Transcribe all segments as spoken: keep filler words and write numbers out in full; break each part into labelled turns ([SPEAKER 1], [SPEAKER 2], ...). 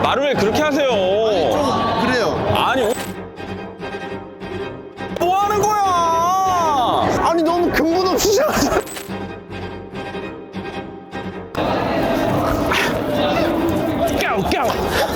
[SPEAKER 1] 말을 왜 그렇게 하세요?
[SPEAKER 2] 좀 그래요.
[SPEAKER 1] 아니, 뭐 하는 거야?
[SPEAKER 2] 아니 너무 근본 없이 시작하잖아.
[SPEAKER 1] 까우, 까우.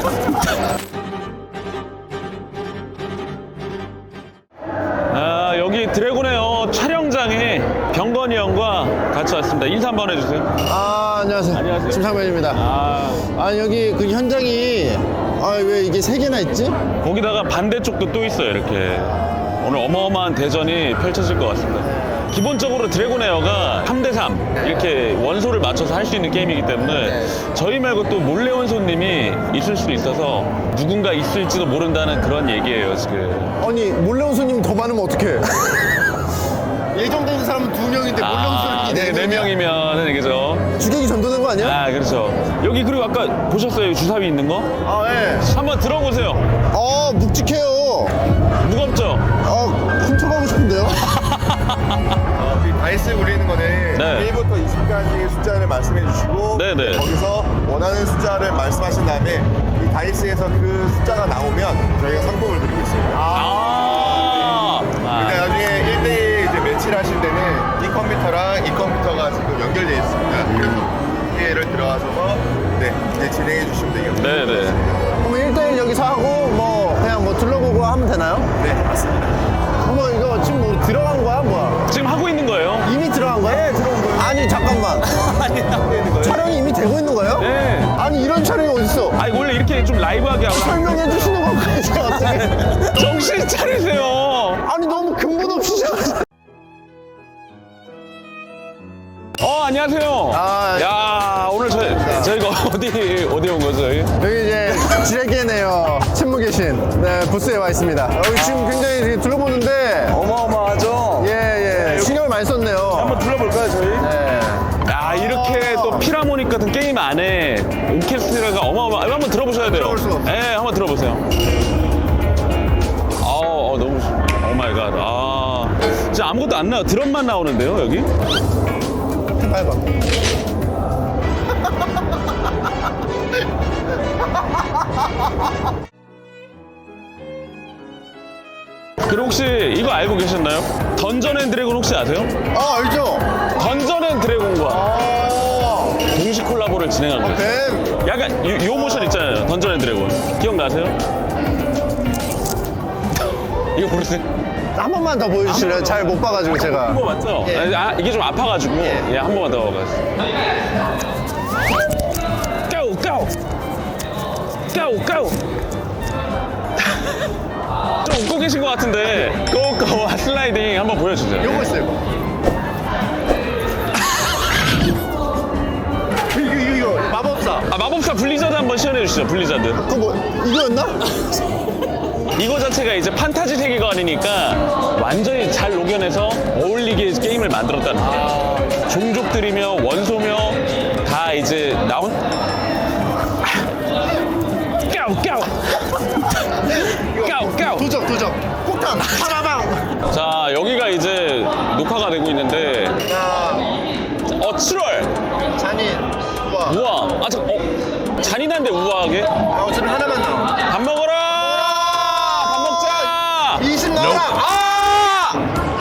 [SPEAKER 1] 아, 여기 드래곤에어 촬영장에 병건이 형과 같이 왔습니다. 인사 한번 해주세요.
[SPEAKER 2] 아 안녕하세요.
[SPEAKER 1] 안녕하세요.
[SPEAKER 2] 심상면입니다.
[SPEAKER 1] 아,
[SPEAKER 2] 아 여기 그 현장이 아 왜 이게 세 개나 있지?
[SPEAKER 1] 거기다가 반대쪽도 또 있어요, 이렇게. 오늘 어마어마한 대전이 펼쳐질 것 같습니다. 기본적으로 드래곤에어가 삼 대 삼 이렇게 원소를 맞춰서 할 수 있는 게임이기 때문에 저희 말고 또 몰래 온 손님이 있을 수도 있어서 누군가 있을지도 모른다는 그런 얘기예요, 지금.
[SPEAKER 2] 아니 몰래 온 손님 더 많으면 어떡해? 예정된 사람은 두 명인데 몰래 온
[SPEAKER 1] 아,
[SPEAKER 2] 손님이
[SPEAKER 1] 네, 네 명이면은 그죠?
[SPEAKER 2] 주객이 전도된 거 아니야?
[SPEAKER 1] 아, 그렇죠. 여기 그리고 아까 보셨어요? 주사위 있는 거?
[SPEAKER 2] 아 예.
[SPEAKER 1] 한번 들어보세요.
[SPEAKER 2] 아 묵직해요.
[SPEAKER 1] 무겁죠?
[SPEAKER 2] 아 훔쳐가고 싶은데요?
[SPEAKER 3] 어, 이 다이스 굴리는 거는
[SPEAKER 1] 네.
[SPEAKER 3] 일부터 이십까지의 숫자를 말씀해 주시고
[SPEAKER 1] 네네.
[SPEAKER 3] 거기서 원하는 숫자를 말씀하신 다음에 이 다이스에서 그 숫자가 나오면 저희가 상품을 드리고 있습니다.
[SPEAKER 1] 아.
[SPEAKER 3] 근데
[SPEAKER 1] 아.
[SPEAKER 3] 나중에 일 대일 이제 매치를 하실 때는 이 컴퓨터랑 이 컴퓨터가 지금 연결되어 있습니다. 그래서 기회를 들어가셔서 네, 이제 진행해 주시면 되겠습니다.
[SPEAKER 1] 네네.
[SPEAKER 2] 그럼 일 대일 여기서 하고 뭐 그냥 뭐 둘러보고 하면 되나요?
[SPEAKER 3] 네, 맞습니다.
[SPEAKER 2] 어머 이거 지금 뭐 들어간 거야 뭐야?
[SPEAKER 1] 지금 하고 있는 거예요?
[SPEAKER 2] 이미 들어간 거야? 네 들어온 거예요. 아니 잠깐만.
[SPEAKER 1] 아니, 하고 있는 거예요?
[SPEAKER 2] 촬영이 이미 되고 있는 거예요?
[SPEAKER 1] 네.
[SPEAKER 2] 아니 이런 촬영이 어딨어?
[SPEAKER 1] 아니, 원래 이렇게 좀 라이브하게 하고.
[SPEAKER 2] 설명해 주시는 건가요? 제가 갑자기?
[SPEAKER 1] 정신 차리세요.
[SPEAKER 2] 아니 너무 근본 없이 시작하잖아.
[SPEAKER 1] 어, 안녕하세요.
[SPEAKER 2] 아,
[SPEAKER 1] 야, 오늘 저희, 저희가 어디, 어디 온 거죠, 저희?
[SPEAKER 2] 여기 이제 지레게네요. 침묵 계신 네, 부스에 와 있습니다. 여기 지금 굉장히 이렇게 둘러보는데
[SPEAKER 1] 어마어마하죠?
[SPEAKER 2] 예, 예. 신경을 많이 썼네요.
[SPEAKER 1] 한번 둘러볼까요, 저희?
[SPEAKER 2] 네.
[SPEAKER 1] 야, 이렇게 또 피라모닉 같은 게임 안에 오케스트라가 어마어마. 한번 들어보셔야 돼요.
[SPEAKER 3] 들어볼 수가 없어요.
[SPEAKER 1] 네, 한번 들어보세요. 어, 어 너무, 오 마이 갓. 아, 진짜 아무것도 안 나와. 드럼만 나오는데요, 여기?
[SPEAKER 2] 해봐.
[SPEAKER 1] 그리고 혹시 이거 알고 계셨나요? 던전 앤 드래곤 혹시 아세요?
[SPEAKER 2] 아 알죠?
[SPEAKER 1] 던전 앤 드래곤과
[SPEAKER 2] 아,
[SPEAKER 1] 동시 콜라보를 진행한 거예요.
[SPEAKER 2] 뱀.
[SPEAKER 1] 약간 요, 요 모션 있잖아요. 던전 앤 드래곤. 기억나세요? 이거 모르세요?
[SPEAKER 2] 한 번만 더 보여주실래요? 잘 못 봐가지고 제가.
[SPEAKER 1] 한 번 맞죠?
[SPEAKER 2] 예.
[SPEAKER 1] 아, 이게 좀 아파가지고 예, 한 번만 더 가세요. 까우 까우 까우 까우 좀 웃고 계신 것 같은데 고고와 슬라이딩 한번 보여주세요.
[SPEAKER 2] 요거 있어요. 이거. 이거 이거 이거 마법사.
[SPEAKER 1] 아, 마법사 블리자드 한번 시연해 주시죠. 블리자드.
[SPEAKER 2] 그거 뭐 이거였나?
[SPEAKER 1] 이거 자체가 이제 판타지 세계관이니까 완전히 잘 녹여내서 어울리게 게임을 만들었다는 거예요. 종족들이며 원소며 다 이제 나온 까우 까우 까우 까우.
[SPEAKER 2] 도적 도적. 폭탄. 파라방.
[SPEAKER 1] 자, 여기가 이제 녹화가 되고 있는데
[SPEAKER 2] 자,
[SPEAKER 1] 어 칠월
[SPEAKER 2] 잔인. 우와.
[SPEAKER 1] 우와. 아, 저, 어 잔인한데 우아하게.
[SPEAKER 2] 아, 어차피 하나만 나와.
[SPEAKER 1] 밥 먹어라. 밥 먹자.
[SPEAKER 2] 이십 나와. 아!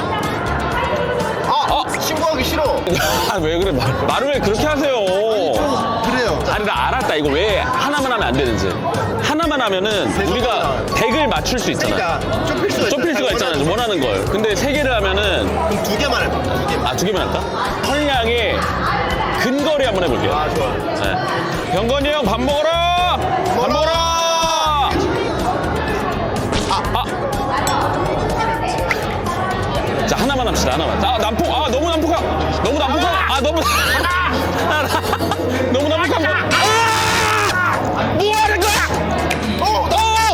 [SPEAKER 2] 아! 신고하기 싫어.
[SPEAKER 1] 아, 왜 그래? 말, 말을 왜 그렇게 하세요?
[SPEAKER 2] 그래요.
[SPEAKER 1] 아니, 나 알았다. 이거 왜 하나만 하면 안 되는지. 하나만 하면은 우리가 덱을 맞출 수 있잖아.
[SPEAKER 2] 그러니까 좁힐 수가
[SPEAKER 1] 좁힐 수가 있잖아. 원하는 걸. 근데 세 개를 하면은
[SPEAKER 2] 그럼 두 개만 해봐. 두 개만.
[SPEAKER 1] 아, 두 개만 할까? 헐량의 근거리 한번 해볼게요.
[SPEAKER 2] 아, 좋아.
[SPEAKER 1] 네. 병건이 형 밥 먹어라. 밥 먹어라. 아, 아. 자, 하나만 합시다. 하나만. 아, 난폭. 아, 너무 난폭하. 너무 난폭하. 아, 너무. 너무 난폭한 거. 아! 뭐 하는 거야? 어!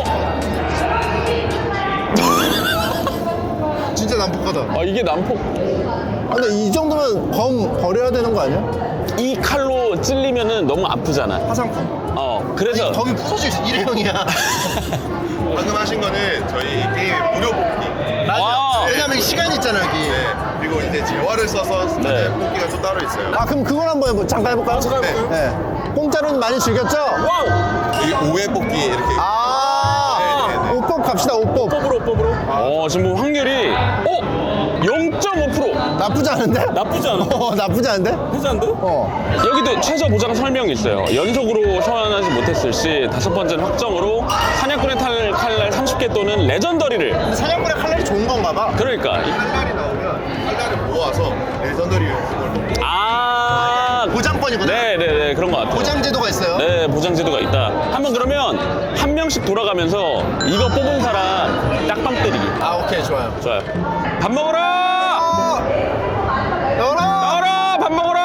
[SPEAKER 1] 어!
[SPEAKER 2] 진짜 난폭하다.
[SPEAKER 1] 아, 이게 난폭.
[SPEAKER 2] 아, 근데 이 정도면 검 버려야 되는 거 아니야?
[SPEAKER 1] 이 칼로 찔리면은 너무 아프잖아.
[SPEAKER 2] 화상품.
[SPEAKER 1] 어, 그래서.
[SPEAKER 2] 덤이 부서져 있어. 일회용이야.
[SPEAKER 3] 방금 하신 거는 저희 게임 무료 뽑기.
[SPEAKER 1] 와.
[SPEAKER 2] 왜냐면 시간이 있잖아, 여기.
[SPEAKER 3] 네, 그리고 이제 재화를 써서
[SPEAKER 1] 네.
[SPEAKER 3] 네. 뽑기가 또 따로 있어요.
[SPEAKER 2] 아, 그럼 그걸 한번 해보, 잠깐 해볼까요?
[SPEAKER 3] 잠깐 해볼까요?
[SPEAKER 2] 네. 공짜로는 많이 즐겼죠?
[SPEAKER 1] 와우.
[SPEAKER 3] 여기 오 회 뽑기 여기 이렇게.
[SPEAKER 2] 아,
[SPEAKER 3] 네, 네, 네.
[SPEAKER 2] 오법 갑시다, 오법.
[SPEAKER 1] 뽑으로 뽑으로. 어 지금 뭐 확률이 어 영 점 오 퍼센트.
[SPEAKER 2] 나쁘지 않은데?
[SPEAKER 1] 나쁘지 않아.
[SPEAKER 2] 어, 나쁘지 않은데?
[SPEAKER 1] 괜찮은데?
[SPEAKER 2] 어.
[SPEAKER 1] 여기도 최저 보장 설명이 있어요. 연속으로 소환하지 못했을 시 다섯 번째는 확정으로 사냥꾼의 탈, 칼날 삼십 개 또는 레전더리를.
[SPEAKER 2] 근데 사냥꾼의 칼날이 좋은 건가 봐.
[SPEAKER 1] 그러니까 이-
[SPEAKER 3] 칼날이 나오면 칼날을 모아서 레전더리 그걸
[SPEAKER 1] 아
[SPEAKER 2] 보장권이구나.
[SPEAKER 1] 네네네 그런 것 같아요.
[SPEAKER 2] 보장 제도가 있어요.
[SPEAKER 1] 네 보장 제도가 있다. 한번 그러면 한 명씩 돌아가면서 이거 뽑은 사람 딱밤 때리기.
[SPEAKER 2] 아, 오케이, 좋아요.
[SPEAKER 1] 좋아요. 밥 먹어라.
[SPEAKER 2] 열어!
[SPEAKER 1] 나와라 밥 먹어라.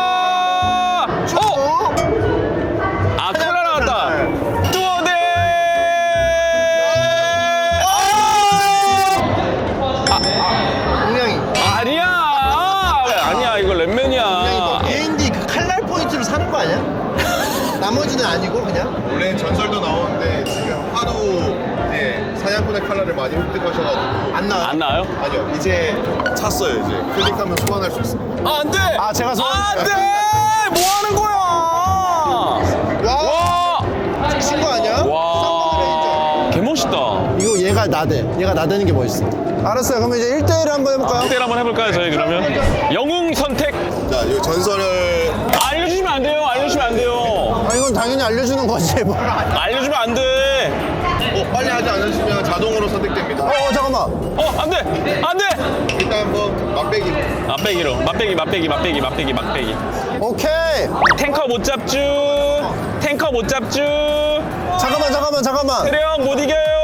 [SPEAKER 1] 어? 아 칼날 나왔다. 뚜어대.
[SPEAKER 2] 분명히.
[SPEAKER 1] 아니야. 아니야 이거 랩맨이야.
[SPEAKER 2] 에이엔디 그 칼날 포인트를 사는 거 아니야? 나머지는 아니고 그냥?
[SPEAKER 3] 원래 전설도 나오는데 지금 하도 이제 사냥꾼의 칼날을 많이 획득하셔가지고
[SPEAKER 2] 안 나와.
[SPEAKER 1] 안 나와요?
[SPEAKER 3] 아니요 이제 찼어요 이제 클릭하면 소환할 수 있습니다.
[SPEAKER 1] 아, 안 돼!
[SPEAKER 2] 아, 제가 소환-
[SPEAKER 1] 안 돼! 뭐 하는 거야!
[SPEAKER 2] 와!
[SPEAKER 1] 와!
[SPEAKER 2] 친거 아니야? 쌍꺼풀
[SPEAKER 1] 와! 개멋있다.
[SPEAKER 2] 레인저. 이거 얘가 나대. 얘가 나대는 게 멋있어. 알았어요. 그럼 이제 일 대일 한번 해볼까요?
[SPEAKER 1] 일 대일 한번 해볼까요, 저희 그러면? 영웅 선택!
[SPEAKER 3] 자, 이 전설을
[SPEAKER 1] 알려주시면 안 돼요, 알려주시면 안 돼요.
[SPEAKER 2] 아, 이건 당연히 알려주는 거지. 뭐.
[SPEAKER 1] 알려주면 안 돼.
[SPEAKER 3] 어, 빨리 하지 않으시면 자동으로 선택됩니다.
[SPEAKER 2] 어, 잠깐만.
[SPEAKER 1] 어, 안 돼! 안 돼!
[SPEAKER 3] 일단 한번 맛배기.
[SPEAKER 1] 맛배기로. 맛배기, 맛배기, 맛배기, 맛배기, 맛배기.
[SPEAKER 2] 오케이.
[SPEAKER 1] 탱커 못 잡쥬. 탱커 못 잡쥬.
[SPEAKER 2] 잠깐만, 잠깐만, 잠깐만.
[SPEAKER 1] 대령 못 이겨요.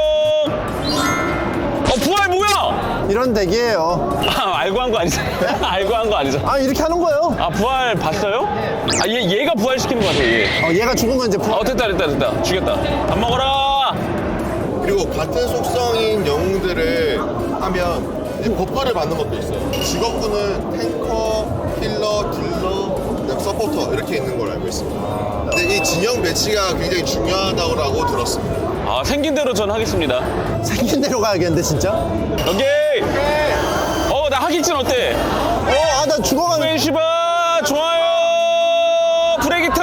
[SPEAKER 1] 어, 부활 뭐야?
[SPEAKER 2] 이런 덱이에요.
[SPEAKER 1] 아, 알고 한 거 아니죠? 알고 한 거 아니죠?
[SPEAKER 2] 아, 이렇게 하는 거예요.
[SPEAKER 1] 아 부활 봤어요? 아 얘, 얘가 부활시키는 거 같아 얘.
[SPEAKER 2] 어, 얘가 죽으면 이제 부...
[SPEAKER 1] 어 됐다 됐다 됐다 죽였다. 밥 먹어라.
[SPEAKER 3] 그리고 같은 속성인 영웅들을 하면 이제 버프를 받는 것도 있어요. 직업군은 탱커, 힐러, 딜러, 그다음 서포터 이렇게 있는 걸로 알고 있습니다. 근데 이 진영 배치가 굉장히 중요하다고 들었습니다.
[SPEAKER 1] 아 생긴 대로 전 하겠습니다.
[SPEAKER 2] 생긴 대로 가야겠는데, 진짜? 어,
[SPEAKER 1] 오케이. 어나 하기진 어때?
[SPEAKER 2] 아, 나 죽어가는...
[SPEAKER 1] 벤시바 좋아요. 브레기털.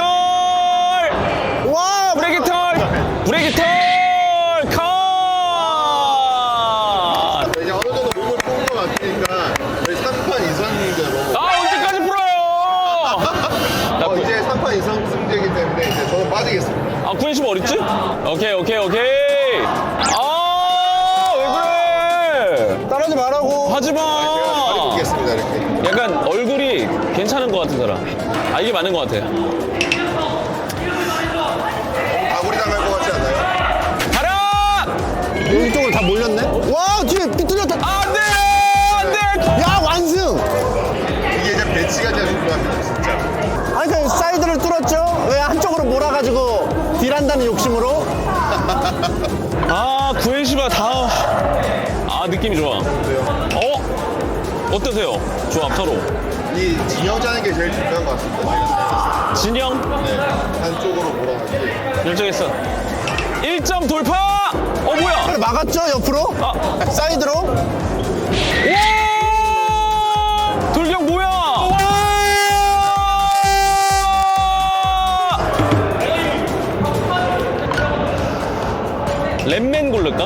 [SPEAKER 2] 와!
[SPEAKER 1] 브레기털. 브레기털. 컷.
[SPEAKER 3] 이제 어느 정도 몸을 뽑은 것 같으니까 저희 삼 판 이상 승제로
[SPEAKER 1] 아 언제까지 풀어요? 나
[SPEAKER 3] 어,
[SPEAKER 1] 구,
[SPEAKER 3] 이제 삼 판 이상 승제이기 때문에 이제 저는 빠지겠습니다.
[SPEAKER 1] 아 구십오 어딨지? 오케이 오케이 오케이. 아왜 그래?
[SPEAKER 2] 따라하지 말라고.
[SPEAKER 1] 하지마.
[SPEAKER 3] 제가 보겠습니다 이렇게.
[SPEAKER 1] 약간 얼굴이 괜찮은 것 같은 사람. 아 이게 맞는 것 같아.
[SPEAKER 3] 다구리 당할 것 같지 않나요?
[SPEAKER 1] 가라!
[SPEAKER 2] 이쪽으로 다 몰렸네? 와, 뒤에 삐뚤렸다.
[SPEAKER 1] 안돼! 안돼!
[SPEAKER 2] 야, 완승!
[SPEAKER 3] 이게 이제 배치가 제일 중요합니다 진짜.
[SPEAKER 2] 아니, 그 사이드를 뚫었죠? 왜 한쪽으로 몰아가지고 딜한다는 욕심으로?
[SPEAKER 1] 아 구엔시바 다. 아 느낌이 좋아. 어? 어떠세요? 조합 서로.
[SPEAKER 3] 이 진영 짜는 게 제일 중요한 것 같습니다.
[SPEAKER 1] 진영
[SPEAKER 3] 네, 한쪽으로 몰아가지고.
[SPEAKER 1] 결정했어. 일 점 돌파! 어 뭐야?
[SPEAKER 2] 그래, 막았죠, 옆으로?
[SPEAKER 1] 아.
[SPEAKER 2] 사이드로?
[SPEAKER 1] 와! 돌격 뭐야? 와! 랩맨 고를까?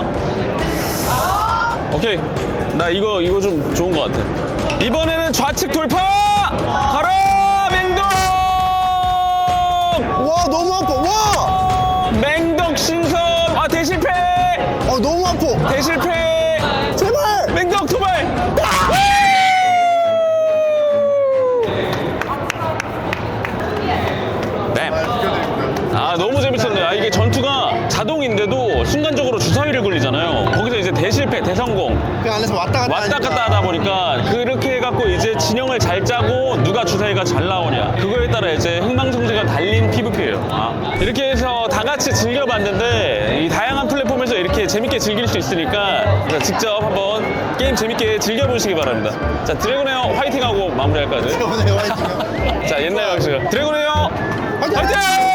[SPEAKER 1] 오케이. 나 이거 이거 좀 좋은 것 같아. 이번에는 좌측 돌파! 가라! 맹덕!
[SPEAKER 2] 와, 너무 아파. 와!
[SPEAKER 1] 맹덕 신선! 아 대실패!
[SPEAKER 2] 어, 너무 아파.
[SPEAKER 1] 대실패!
[SPEAKER 2] 제발!
[SPEAKER 1] 맹덕 도발! 뱀. 아 너무 재밌었네. 아 이게 전투가 자동인데도 순간적으로 주사위를 굴리잖아요. 거기서 이제 대실패, 대성공
[SPEAKER 2] 그 안에서 왔다 갔다
[SPEAKER 1] 왔다
[SPEAKER 2] 하니까.
[SPEAKER 1] 갔다 하다 보니까 그렇게 해갖고 이제 진영을 잘 짜고 누가 주사위가 잘 나오냐 그거에 따라 이제 흥망성쇠가 달린 피브피예요. 아, 이렇게 해서 다 같이 즐겨봤는데 이 다양한 플랫폼에서 이렇게 재밌게 즐길 수 있으니까 직접 한번 게임 재밌게 즐겨보시기 바랍니다. 자 드래곤에어 화이팅하고 마무리할까요?
[SPEAKER 2] 오늘 화이팅.
[SPEAKER 1] 자 옛날 방식 드래곤에어
[SPEAKER 2] 화이팅!
[SPEAKER 1] 화이팅!